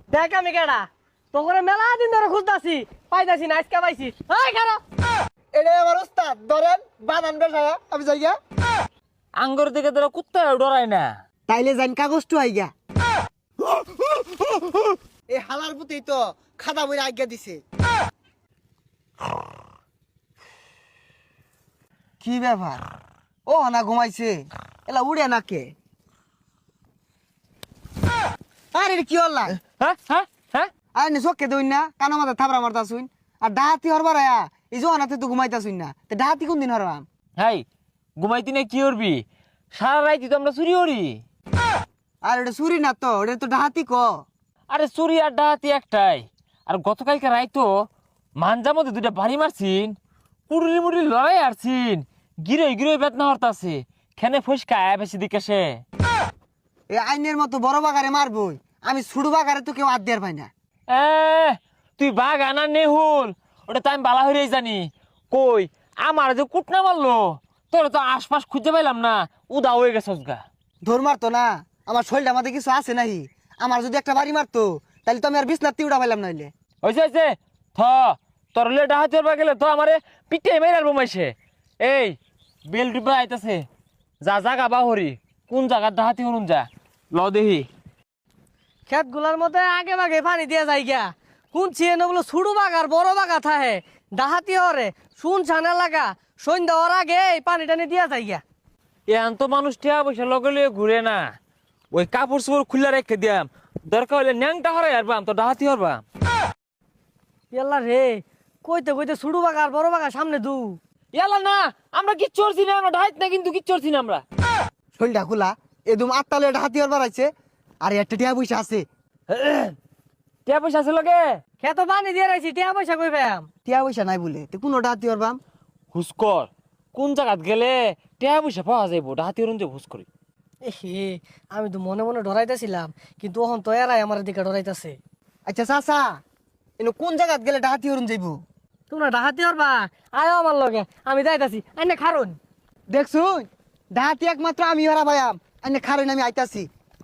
দেখ আমি কেডা তোরে মেলা দিন ধরে খুঁজতাছি পাইতাছি না আজকে পাইছি এই খারা এটা আমার উস্তাদ ধরেন বানান বেসায়া আমি যাই গা আঙ্গুর দিকে তোরা কুত্তা ডরায় না। তাইলে যান কাগজটু আইগা এই হালার পুতেই তো খাদা বইরা আজ্ঞা দিছে। কি ব্যাপার ও না ঘুমাইছে এলা উড়ে না কে আরে কি হল্লা হ্যাঁ হ্যাঁ হ্যাঁ আরে নি চোখে দইন না কানো মাথা থাবরা মারতা শুন আর ডাহাতি হরবার আয়া এই জোহানাতে তো ঘুমাইতা শুন না তে ডাহাতি কোন দিন হরবাম হাই ঘুমাইতি না কি করবি সারা রাইতি তো আমরা চুরি করি। আর এটা চুরি না তো এটা তো ডাহাতি ক আরে চুরি আর ডাহাতি একটাই। আর গতকালকে রাইতো মানজার মধ্যে দুইটা বাড়ি মারছিন কুড়ুলি মুড়ি লড়াই আরছিন গিরে গিরে বেদনা হরতাছে খেনে ফসকা আয়া বেশি দিকে সে এই আইনের মতো বড় বাগারে মারবই আমি ছুড়ু বাগারে তো কেউ আদ্যার পাই না। এ তুই বাঘ আনা নেহুল ওটা তো আমি বালা হইরেই জানি কই আমার যে কুটনা মারলো তোরা তো আশপাশ খুঁজে পাইলাম না উদা হয়ে গেছস গা। ধর মারতো না আমার শরীরটা মাঝে কিছু আছে নাহি আমার যদি একটা বাড়ি মারতো তাহলে তো আমি আর বিছনার তিউড়া পাইলাম নাইলে হয়েছে থ তোর লে ডাহাতি হরবা গেলে তো আমারে পিঠে মেরে বোমাইছে। এই বেল ডিব্বা আইতাছে যা জাগা বাহরি কোন জায়গার ডাহাতি হরুন যা ল দেহি। খেত গুলার মধ্যে আগে ভাগে পানি দিয়া যায় গিয়া কোন চিয়ে বলো ছুড়ু বাগার বড় বাগা থাহে ডাহাতি হরে শুন ছানা লাগা সন্ধ্যা হওয়ার আগে এই পানি টানি দিয়া যায় গিয়া। এন তো মানুষ টিয়া পয়সা লগে লগে ঘুরে না ওই কাপড় চোপড় খুলে রেখে দিয়াম দরকার হলে ন্যাংটা হরাই হারবাম তো ডাহাতি হরবাম। ইয়াল্লা রে কইতে কইতে ছুড়ু বাগার বড় বাগা সামনে দু ইয়ালা না আমরা কিচ্ছু করছি না আমরা ডাহাত না কিন্তু কিচ্ছু করছি না আমরা। শরীরটা খোলা এদম আটটালে এটা হাতি হরবার আছে আর একটা টিয়া পয়সা আছে টিয়া পয়সা আছে লগে খেত পানি দিয়ে রাখছি টিয়া পয়সা কই পাম টিয়া পয়সা নাই বলে তো কোনোটা হাতি হরবাম হুস্কর কোন জায়গাত গেলে টিয়া পয়সা পাওয়া যাইব ডাহাতি হরুন যে হুস করি। এহে আমি তো মনে মনে ডরাইতেছিলাম কিন্তু ওহন তো এরাই আমার দিকে ডরাইতেছে। আচ্ছা চাচা এনে কোন জায়গাত গেলে ডাহাতি হরুন যাইব তোমরা ডাহাতি হরবা আয় আমার লগে আমি যাইতাছি আইনে খারুন দেখছুন ডাহাতি একমাত্র আমি হরা ভাইয়াম এনে খারেন আমি আইতাছি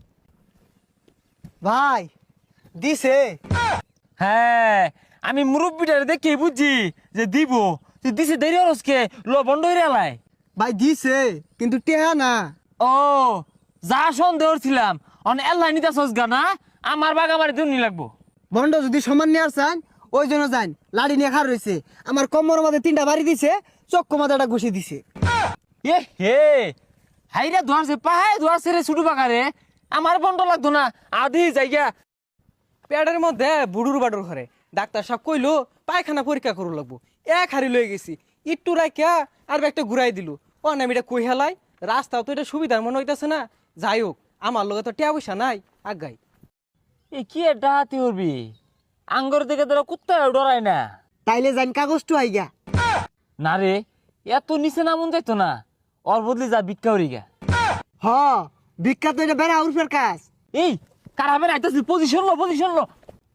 ভাই দিছে হ্যাঁ আমি মুরব্বীটারে দেখে বুঝছি যে দিব তুই দিছে দেরি হরসকে ল বন্ধ হয়ে এলাই। ভাই দিছে কিন্তু টেহা না ও যা সন্দেহ ছিলাম অন এল্লাই নিতে সজগা না আমার বাগ আমার দুনি লাগবো। বন্ড যদি সমান নিয়ে আসছেন ওই জন্য যান লাড়ি নিয়ে খার রয়েছে আমার কোমর মাঝে 3টা বাড়ি দিছে চক্কু মাঝে একটা ঘুষি দিছে এ হে হাইরা ধোয়ারছে পাহাই ধোয়ারছে রে ছুটু বাগারে আমার বন্ধ লাগতো না আধি জায়গা পেটের মধ্যে বুড়ুর বাড়ুর ঘরে ডাক্তার সাহেব কইলো পায়খানা পরীক্ষা করু লাগবো এক হাড়ি লয়ে গেছি একটু রাখিয়া আর একটা ঘুরাই দিল ও না আমি এটা কই হেলাই রাস্তাও তো এটা সুবিধার মনে হইতেছে না যাই হোক আমার লগে তো টিয়া পয়সা নাই আগাই এ কি ডাহাতি হরবি আঙ্গর দিকে তোরা কুত্তা ডরায় না। তাইলে যান কাগজটু আইগা না রে এত নিচে নামুন যাইতো না ওর বদলে যা ভিক্ষা হরি গা। হ বিখ্যাত এটা বেড়া উরফের কাজ এই কারাবের আইতাছি পজিশন লো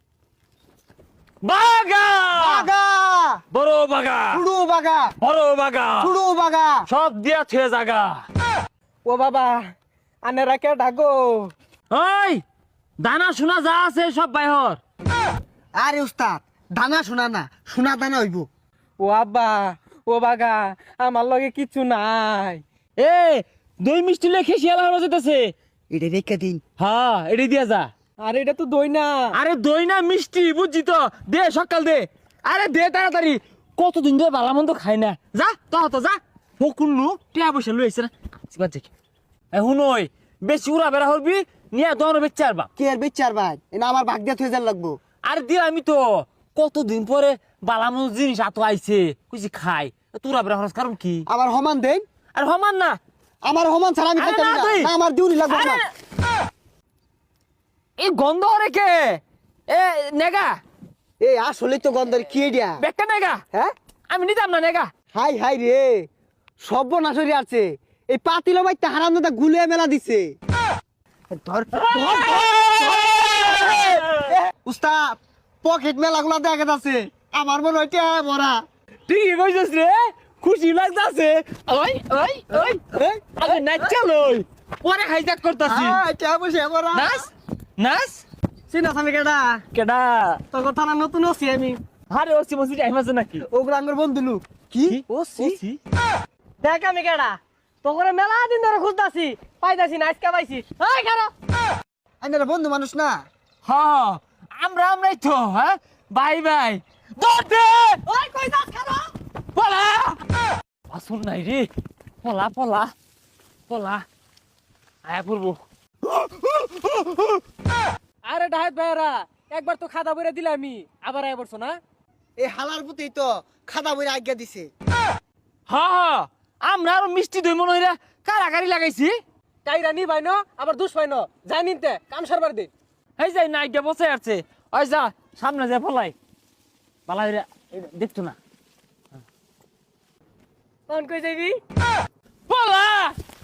বাগা বাগা বড় বাগা ছুড়ু বাগা বড় বাগা ছুড়ু বাগা সব দিয়া ছুঁয়ে জাগা। ও বাবা আনেরা কে ডাকো ওই দানা শোনা যা আছে সব বাইহর। আরে উস্তাদ দানা শোনা না সোনা দানা হইব ও আব্বা ও বাগা আমার লগে কিচ্ছু নাই এ দই মিষ্টি লেখে শিয়ালা হলো যেতেছে। এটা রেখে দিন হ্যাঁ এটি দিয়া যা। আর এটা তো দই না আরে দই না মিষ্টি বুঝছি তো দে সকাল দে আরে দে তাড়াতাড়ি কতদিন ধরে ভালো মন্দ খাই না যা তো যা ফকুন্নু টিয়া পয়সা লই আইছে না এখন ওই বেশি উড়া বেড়া হরবি নিয়ে দোকান বেচে আরবা। কে আর বিচার ভাই এটা আমার ভাগ দিয়ে থয়ে যান লাগবো আরে দিয়ে আমি তো কতদিন পরে বালামন জিনিস এত আইছে কুছি খাই তুরা বেড়া হরস কারণ কি আমার সমান দেন আর হমান না আমার সমান ছাড়া আমি আরে খাইতে না পারি তুই। না আমার দিউনি লাগবে আরে, আমার এই গন্ধ হরে কে এ নেগা এই আসলে তো গন্ধের কি এডিয়া বেকা নেগা হ্যাঁ আমি নিতাম না নেগা। হাই হাই রে সর্বনাশরি আছে এই পাতিলো বাইতে হারাম দাদা গুলে মেলা দিছে ধর উস্তাদ পকেট মেলা গুলা দেখা যাচ্ছে আমার মনে হয় টিয়া ভরা ঠিকই কইছিস রে খুশি লাগতাছে ওই ওই ওই আগে নাচ চল ওই পরে হাইজাক করতাছি টিয়া বসে ভরা নাচ নাচ চিনা আমি কেডা কেডা তোর কথা না নতুন আছি আমি আরে ওসি মসি টাইম আছে নাকি ওগুলো আমার বন্ধু লোক কি ওসি দেখ আমি কেডা তোকে মেলা দিন ধরে খুঁজতাছি পাইতাছি না আজকে পাইছি এই খারো আইনারা বন্ধু মানুষ না হ্যাঁ আমরাই তো হ্যাঁ বাই বাই দৌড় ওই কই যাস খারো পলা আসুন নাই রে পলা পলা পলা আয়া পড়বো আরে ডাহাত ভাইরা একবার তো খাদা বইরা দিলে আমি আবার আয় পড়ছো না এই হালার পুতেই তো খাদা বইরা আজ্ঞা দিছে হ্যাঁ আমরা আর মিষ্টি দই মনে হইরা কারাকারি লাগাইছি কাইরা নি ভাই ন আবার দুষ ভাই ন যাই নিতে কাম সারবার দে এই যাই না আইডিয়া বসে আছে ওই যা সামনে যা ফলাই পালা দেখতো না কোন কই যাবি পলা